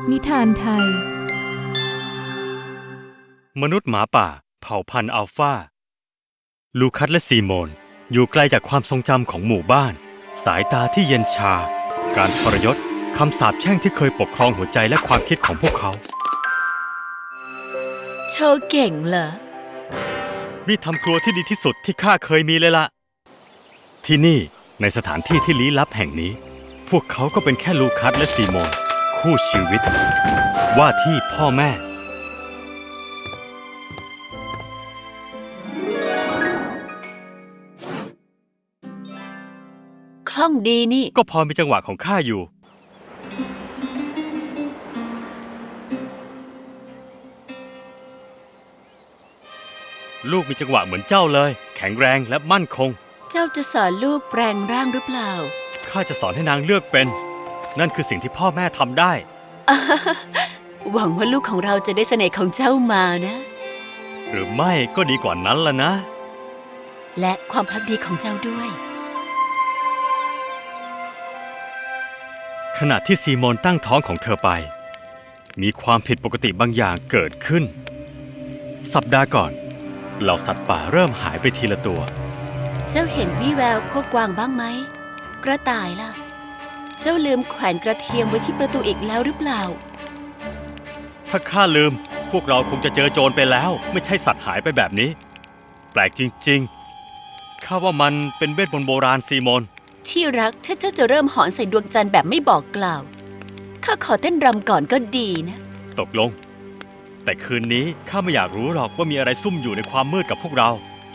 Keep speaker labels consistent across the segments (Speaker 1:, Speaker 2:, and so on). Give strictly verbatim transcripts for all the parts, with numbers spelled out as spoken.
Speaker 1: นิทานไทย
Speaker 2: มนุษย์หมาป่าเผ่าพันธุ์อัลฟาลูคัสและซีโมนอยู่ไกลจากความทรงจำของหมู่บ้านสายตาที่เย็นชาการทรยศคำสาปแช่งที่เคยปกครองหัวใจและความคิดของพวกเขา
Speaker 3: โชว์เก่งเหรอ
Speaker 2: มีดทำครัวที่ดีที่สุดที่ข้าเคยมีเลยล่ะที่นี่ในสถานที่ที่ลี้ลับแห่งนี้พวกเขาก็เป็นแค่ลูคัสและซีโมนคู่ชีวิตว่าที่พ่อแม่
Speaker 3: คล่องดีนี่
Speaker 2: ก็พอมีจังหวะของข้าอยู่ลูกมีจังหวะเหมือนเจ้าเลยแข็งแรงและมั่นคง
Speaker 3: เจ้าจะสอนลูกแปลงร่างหรือเปล่า
Speaker 2: ข้าจะสอนให้นางเลือกเป็นนั่นคือสิ่งที่พ่อแม่ทำได้
Speaker 3: หวังว่าลูกของเราจะได้เสน่ห์ของเจ้ามานะ
Speaker 2: หรือไม่ก็ดีกว่านั้นล่ะนะ
Speaker 3: และความพักดีของเจ้าด้วย
Speaker 2: ขณะที่ซีโมนตั้งท้องของเธอไปมีความผิดปกติบางอย่างเกิดขึ้นสัปดาห์ก่อนเหล่าสัตว์ป่าเริ่มหายไปทีละตัว
Speaker 3: เจ้าเห็นวี่แววพวกกวางบ้างไหมกระต่ายล่ะเจ้าลืมแขวนกระเทียมไว้ที่ประตูอีกแล้วหรือเปล่า
Speaker 2: ถ้าข้าลืมพวกเราคงจะเจอโจรไปแล้วไม่ใช่สัตว์หายไปแบบนี้แปลกจริงๆข้าว่ามันเป็นเวทมนต์โบราณซีโมน
Speaker 3: ที่รักถ้าเจ้าจะเริ่มหอนใส่ดวงจันทร์แบบไม่บอกกล่าวข้าขอเต้นรำก่อนก็ดีนะ
Speaker 2: ตกลงแต่คืนนี้ข้าไม่อยากรู้หรอกว่ามีอะไรซุ่มอยู่ในความมืดกับพวกเรา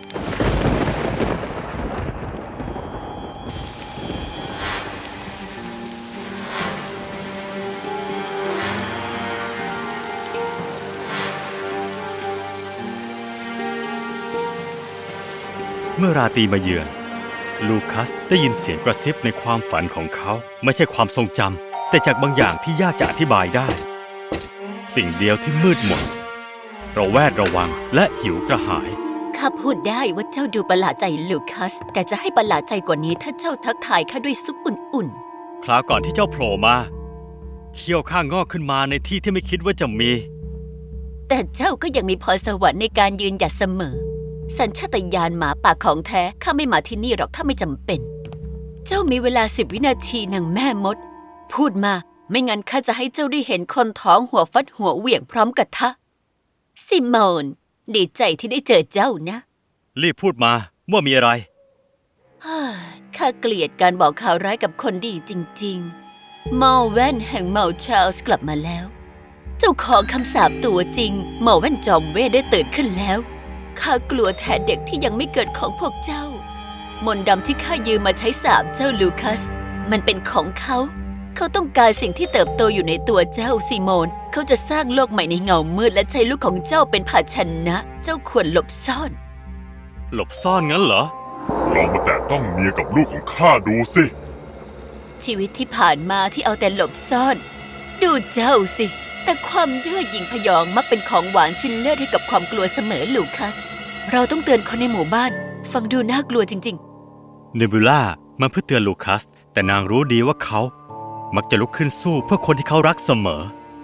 Speaker 2: เมื่อราตรีมาเยือนลูคัสได้ยินเสียงกระซิบในความฝันของเขาไม่ใช่ความทรงจำแต่จากบางอย่างที่ยากจะอธิบายได้สิ่งเดียวที่มืดมนระแวดระวังและหิวกระหาย
Speaker 3: ข้าพูดได้ว่าเจ้าดูประหลาดใจลูคัสแต่จะให้ประหลาดใจกว่านี้ถ้าเจ้าทักทายข้าด้วยซุปอุ่น
Speaker 2: ๆคราวก่อนที่เจ้าโผล่มาเขี้ยวข้างงอกขึ้นมาในที่ที่ไม่คิดว่าจะมี
Speaker 3: แต่เจ้าก็ยังมีพรสวรรค์ในการยืนหยัดเสมอสัญชาตญาณหมาป่าของแท้ข้าไม่มาที่นี่หรอกถ้าไม่จำเป็นเจ้ามีเวลาสิบวินาทีนางแม่มดพูดมาไม่งั้นข้าจะให้เจ้าได้เห็นคนท้องหัวฟัดหัวเหวี่ยงพร้อมกับทะซิโมนดีใจที่ได้เจอเจ้านะ
Speaker 2: รีบพูดมาว่ามีอะไร
Speaker 3: ข้าเกลียดการบอกข่าวร้ายกับคนดีจริงๆเมาแว่นแห่งเมาชาร์ลส์กลับมาแล้วเจ้าของคำสาปตัวจริงเมาแว่นจอมเวทได้ตื่นขึ้นแล้วข้ากลัวแทนเด็กที่ยังไม่เกิดของพวกเจ้ามนต์ดำที่ข้ายืมมาใช้สาปเจ้าลูคัสมันเป็นของเขาเขาต้องการสิ่งที่เติบโตอยู่ในตัวเจ้าซีโมนเขาจะสร้างโลกใหม่ในเงามืดและใช้ลูกของเจ้าเป็นภาชนะเจ้าควรหลบซ่อน
Speaker 2: หลบซ่อนงั้นเหรอ
Speaker 4: ลองมาแตะต้องเมียกับลูกของข้าดูสิ
Speaker 3: ชีวิตที่ผ่านมาที่เอาแต่หลบซ่อนดูเจ้าสิแต่ความเย่อหยิ่งพยองมักเป็นของหวานชิ้นเลิศให้กับความกลัวเสมอลูคัสเราต้องเตือนคนในหมู่บ้านฟังดูน่ากลัวจริง
Speaker 2: ๆเนบิวล่ามาเพื่อเตือนลูคัสแต่นางรู้ดีว่าเขามักจะลุกขึ้นสู้เพื่อคนที่เขารักเสมอ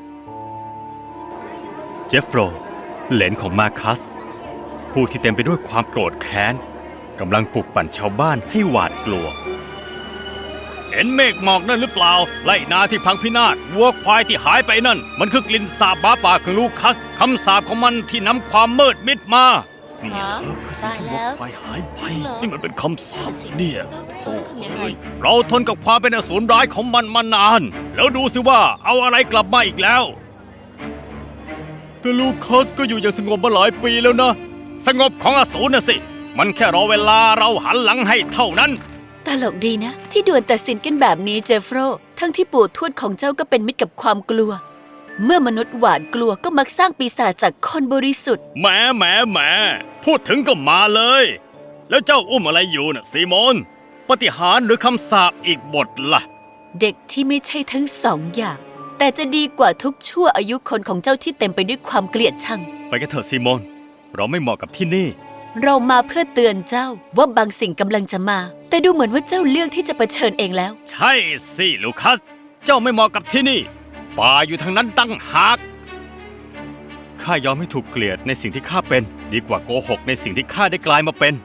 Speaker 2: เจฟโฟรเหลนของมาคัสผู้ที่เต็มไปด้วยความโกรธแค้นกำลังปลุกปั่นชาวบ้านให้หวาดกลัวเห็นเมฆหมอกนั่นหรือเปล่าไล่นาที่พังพินาศวัวควายที่หายไปนั่นมันคือกลิ่นสาบหมาป่าของลูคัสคำสาปของมันที่นำความมืดมิดมา
Speaker 3: นี่คือสิ่งที่วัวควายหายไป
Speaker 2: นี่มันเป็นคำสาปเนี่ยโอ้ยเราทนกับความเป็นอสูรร้ายของมันมานานแล้วดูสิว่าเอาอะไรกลับมาอีกแล้วแต่ลูคัสก็อยู่อย่างสงบมาหลายปีแล้วนะสงบของอสูรน่ะสิมันแค่รอเวลาเราหันหลังให้เท่านั้น
Speaker 3: ตลกดีนะที่ด่วนตัดสินกันแบบนี้เจฟโฟรทั้งที่ปู่ทวดของเจ้าก็เป็นมิตรกับความกลัวเมื่อมนุษย์หวาดกลัวก็มักสร้างปีศาจจากคนบริสุทธิ์
Speaker 2: แหมแหมแหมพูดถึงก็มาเลยแล้วเจ้าอุ้มอะไรอยู่น่ะซีโมนปาฏิหาริย์หรือคำสาปอีกบทล่ะ
Speaker 3: เด็กที่ไม่ใช่ทั้งสองอย่างแต่จะดีกว่าทุกชั่วอายุคนของเจ้าที่เต็มไปด้วยความเกลียดชัง
Speaker 2: ไปกันเถอะซีโมนเราไม่เหมาะกับที่นี่
Speaker 3: เรามาเพื่อเตือนเจ้าว่าบางสิ่งกำลังจะมาแต่ดูเหมือนว่าเจ้าเลือกที่จะเผชิญเองแล้ว
Speaker 2: ใช่สิลูคัสเจ้าไม่เหมาะกับที่นี่ป่าอยู่ทางนั้นตั้งหากข้ายอมให้ถูกเกลียดในสิ่งที่ข้าเป็นดีกว่าโกหกในสิ่งที่ข้าได้กลายมาเป็น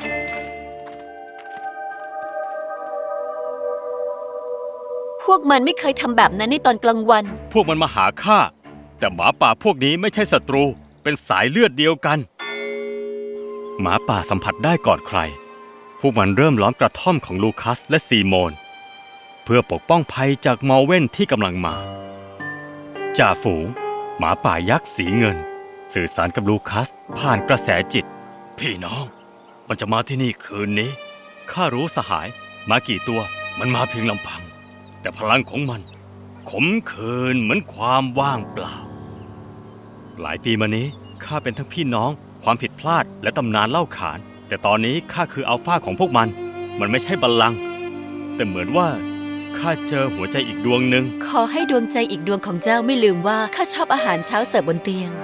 Speaker 3: พวกมันไม่เคยทำแบบนั้นในตอนกลางวัน
Speaker 2: พวกมันมาหาข้าแต่หมาป่าพวกนี้ไม่ใช่ศัตรูเป็นสายเลือดเดียวกันหมาป่าสัมผัสได้ก่อนใครพวกมันเริ่มล้อมกระท่อมของลูคัสและซีโมนเพื่อปกป้องภัยจากมอลเว่นที่กำลังมาจ่าฝูงหมาป่ายักษ์สีเงินสื่อสารกับลูคัสผ่านกระแสจิตพี่น้องมันจะมาที่นี่คืนนี้ข้ารู้สหายมากี่ตัวมันมาเพียงลำพังแต่พลังของมันขมขื่นเหมือนความว่างเปล่าหลายปีมานี้ข้าเป็นทั้งพี่น้องความผิดพลาดและตำนานเล่าขานแต่ตอนนี้ข้าคืออัลฟาของพวกมันมันไม่ใช่บัลลังก์แต่เหมือนว่าข้าเจอหัวใจอีกดวงหนึ่ง
Speaker 3: ขอให้ดวงใจอีกดวงของเจ้าไม่ลืมว่าข้าชอบอาหารเช้าเสิร์ฟบนเตียง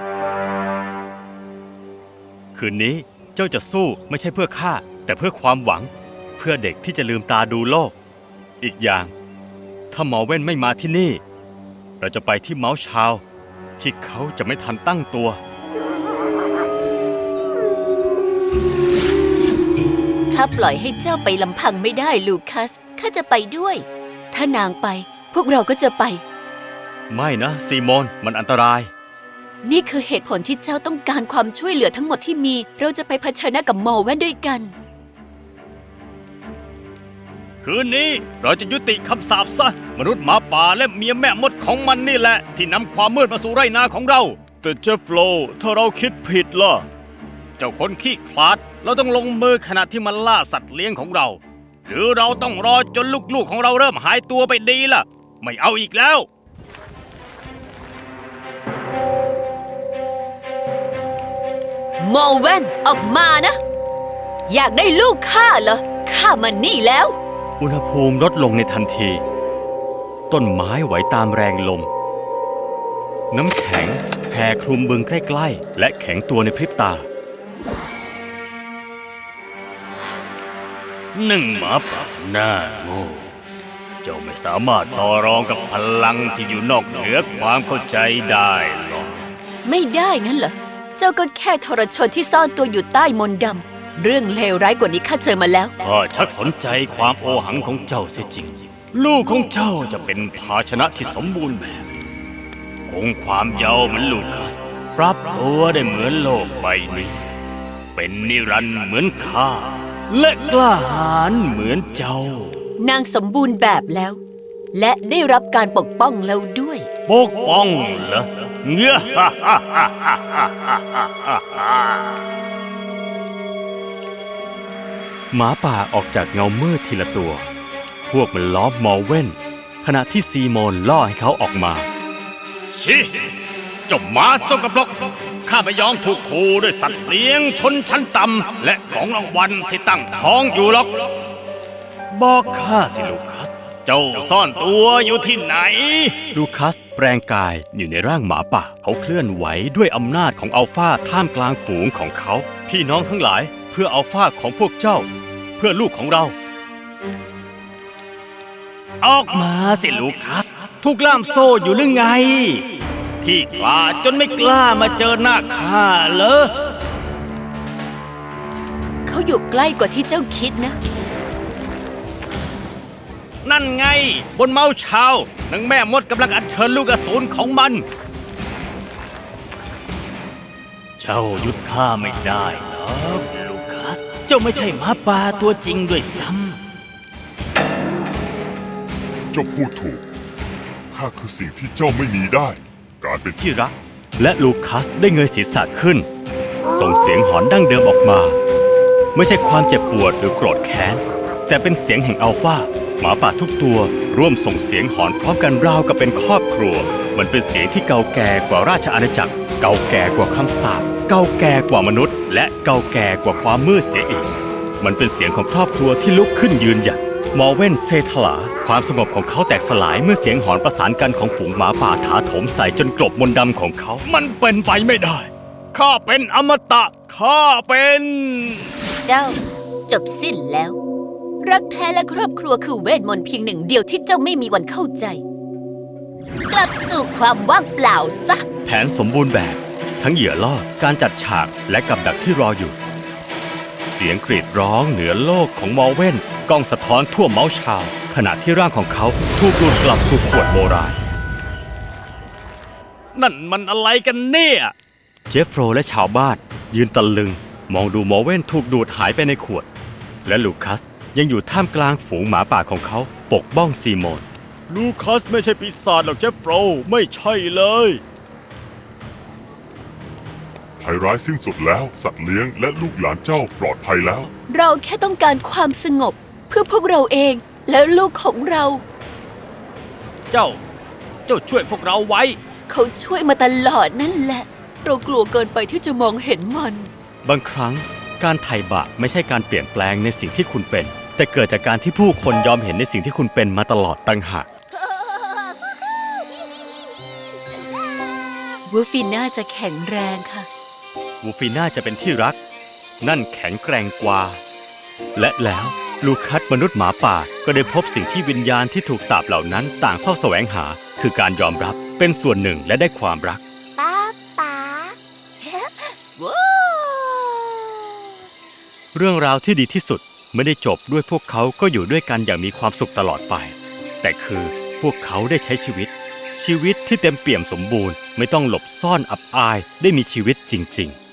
Speaker 2: คืนนี้เจ้าจะสู้ไม่ใช่เพื่อข้าแต่เพื่อความหวังเพื่อเด็กที่จะลืมตาดูโลกอีกอย่างถ้ามอลเว่นไม่มาที่นี่เราจะไปที่เมาส์ชาวที่เขาจะไม่ทันตั้งตัว
Speaker 3: ข้าปล่อยให้เจ้าไปลำพังไม่ได้ลูคัสข้าจะไปด้วยถ้านางไปพวกเราก็จะไป
Speaker 2: ไม่นะซีโมนมันอันตราย
Speaker 3: นี่คือเหตุผลที่เจ้าต้องการความช่วยเหลือทั้งหมดที่มีเราจะไปเผชิญหน้ากับมอลเว่นด้วยกัน
Speaker 2: คืนนี้เราจะยุติคำสาปซะมนุษย์หมาป่าและเมียแม่มดของมันนี่แหละที่นำความมืดมาสู่ไร่นาของเราแต่เจฟโลถ้าเราคิดผิดล่ะเจ้าคนขี้ขลาดเราต้องลงมือขณะที่มันล่าสัตว์เลี้ยงของเราหรือเราต้องรอจนลูกๆของเราเริ่มหายตัวไปดีล่ะไม่เอาอีกแล้ว
Speaker 3: มอลเว่นออกมานะอยากได้ลูกข้าเหรอข้ามันนี่แล้ว
Speaker 2: อุณหภูมิลดลงในทันทีต้นไม้ไหวตามแรงลมน้ำแข็งแผ่คลุมบึงใกล้ๆและแข็งตัวในพริบตาหนึ่งหมาป่าหน้าโง่เจ้าไม่สามารถต่อรองกับพลังที่อยู่นอกเหนือความเข้าใจได้หรอก
Speaker 3: ไม่ได้นั่นเหรอเจ้าก็แค่ทรชนที่ซ่อนตัวอยู่ใต้มนต์ดำเรื่องเลวร้ายกว่านี้ข้าเจอมาแล้ว
Speaker 2: ข้าชักสนใจความโอหังของเจ้าเสียจริงลูกของเจ้าจะเป็นภาชนะที่สมบูรณ์แบบคงความเยาว์เหมือนลูคัสปรับตัวได้เหมือนโลกใบนี้เป็นนิรันดร์เหมือนข้าและกล้าหาญเหมือนเจ้าน
Speaker 3: างสมบูรณ์แบบแล้วและได้รับการปกป้องแล้วด้วย
Speaker 2: ปกป้องเหรอเงื้อหมาป่าออกจากเงามืดทีละตัวพวกมันล้อมมอลเว่นขณะที่ซีโมนล่อให้เขาออกมาชิเจ้าหมาสกปรกข้าไม่ยอมถูกขู่ด้วยสัตว์เลี้ยงชนชั้นต่ำและของรางวัลที่ตั้งท้องอยู่หรอกบอกข้าสิลูคัสเจ้าซ่อนตัวอยู่ที่ไหนลูคัสแปลงกายอยู่ในร่างหมาป่าเขาเคลื่อนไหวด้วยอำนาจของอัลฟาท่ามกลางฝูงของเขาพี่น้องทั้งหลายเพื่ออัลฟาของพวกเจ้าเพื่อลูกของเราออกมาสิลูคัสถูกล่ามโซ่อยู่หรือไงพี่กล้าจนไม่กล้ามาเจอหน้าข้าเหรอ
Speaker 3: เขาอยู่ใกล้กว่าที่เจ้าคิดนะ
Speaker 2: นั่นไงบนเมาส์ชาวนางแม่มดกำลังอัญเชิญลูกอสูรของมันเจ้าหยุดข้าไม่ได้หรอกลูคัสเจ้าไม่ใช่หมาป่าตัวจริงด้วยซ้
Speaker 4: ำเจ้าพูดถูกข้าคือสิ่งที่เจ้าไม่มีได้การเป็น
Speaker 2: ที่รักและลูคัสได้เงยศีรษะขึ้นส่งเสียงหอนดั้งเดิมออกมาไม่ใช่ความเจ็บปวดหรือโกรธแค้นแต่เป็นเสียงแห่งอัลฟาหมาป่าทุกตัวร่วมส่งเสียงหอนพร้อมกันราวกับเป็นครอบครัวมันเป็นเสียงที่เก่าแก่กว่าราชอาณาจักรเก่าแก่กว่าคำสาปเก่าแก่กว่ามนุษย์และเก่าแก่กว่าความมืดเสียอีกมันเป็นเสียงของครอบครัวที่ลุกขึ้นยืนหยัดมอลเว่นเซทลาความสงบของเขาแตกสลายเมื่อเสียงหอนประสานกันของฝูงหมาป่าถาโถมใส่จนกลบมนต์ดำของเขามันเป็นไปไม่ได้ข้าเป็นอมตะข้าเป็น
Speaker 3: เจ้าจบสิ้นแล้วรักแท้และครอบครัวคือเวทมนต์เพียงหนึ่งเดียวที่เจ้าไม่มีวันเข้าใจกลับสู่ความว่างเปล่าซะ
Speaker 2: แผนสมบูรณ์แบบ ทั้งเหยื่อล่อ การจัดฉากและกับดักที่รออยู่ เสียงกรีดร้องเหนือโลกของมอร์เว่นก้องสะท้อนทั่วเมาส์ชาวน์ขณะที่ร่างของเขาถูกดูดกลับสู่ขวดโบราณ นั่นมันอะไรกันเนี่ย เจฟโฟรและชาวบ้านยืนตะลึง มองดูมอร์เว่นถูกดูดหายไปในขวด และลูคัสยังอยู่ท่ามกลางฝูงหมาป่าของเขาปกป้องซีโมน ลูคัสไม่ใช่ปีศาจหรอกเจฟโฟรไม่ใช่เลย
Speaker 4: ภัยร้ายสิ้นสุดแล้วสัตว์เลี้ยงและลูกหลานเจ้าปลอดภัยแล้ว
Speaker 3: เราแค่ต้องการความสงบเพื่อพวกเราเองและลูกของเรา
Speaker 2: เจ้า เจ้าช่วยพวกเราไว้
Speaker 3: เขาช่วยมาตลอดนั่นแหละ เรากลัวเกินไปที่จะมองเห็นมัน
Speaker 2: บางครั้งการไถ่บาปไม่ใช่การเปลี่ยนแปลงในสิ่งที่คุณเป็น แต่เกิดจากการที่ผู้คนยอมเห็นในสิ่งที่คุณเป็นมาตลอดตั้งหาก
Speaker 3: วูฟิน่าจะแข็งแรงค่ะ
Speaker 2: วูฟีน่าจะเป็นที่รัก นั่นแข็งแกร่งกว่า และแล้วลูคัสมนุษย์หมาป่าก็ได้พบสิ่งที่วิญญาณที่ถูกสาปเหล่านั้นต่างเฝ้าแสวงหา คือการยอมรับเป็นส่วนหนึ่งและได้ความรัก
Speaker 3: ป้าป๋าว้า
Speaker 2: เรื่องราวที่ดีที่สุดไม่ได้จบด้วยพวกเขาก็อยู่ด้วยกันอย่างมีความสุขตลอดไป แต่คือพวกเขาได้ใช้ชีวิต ชีวิตที่เต็มเปี่ยมสมบูรณ์ไม่ต้องหลบซ่อนอับอายได้มีชีวิตจริงๆ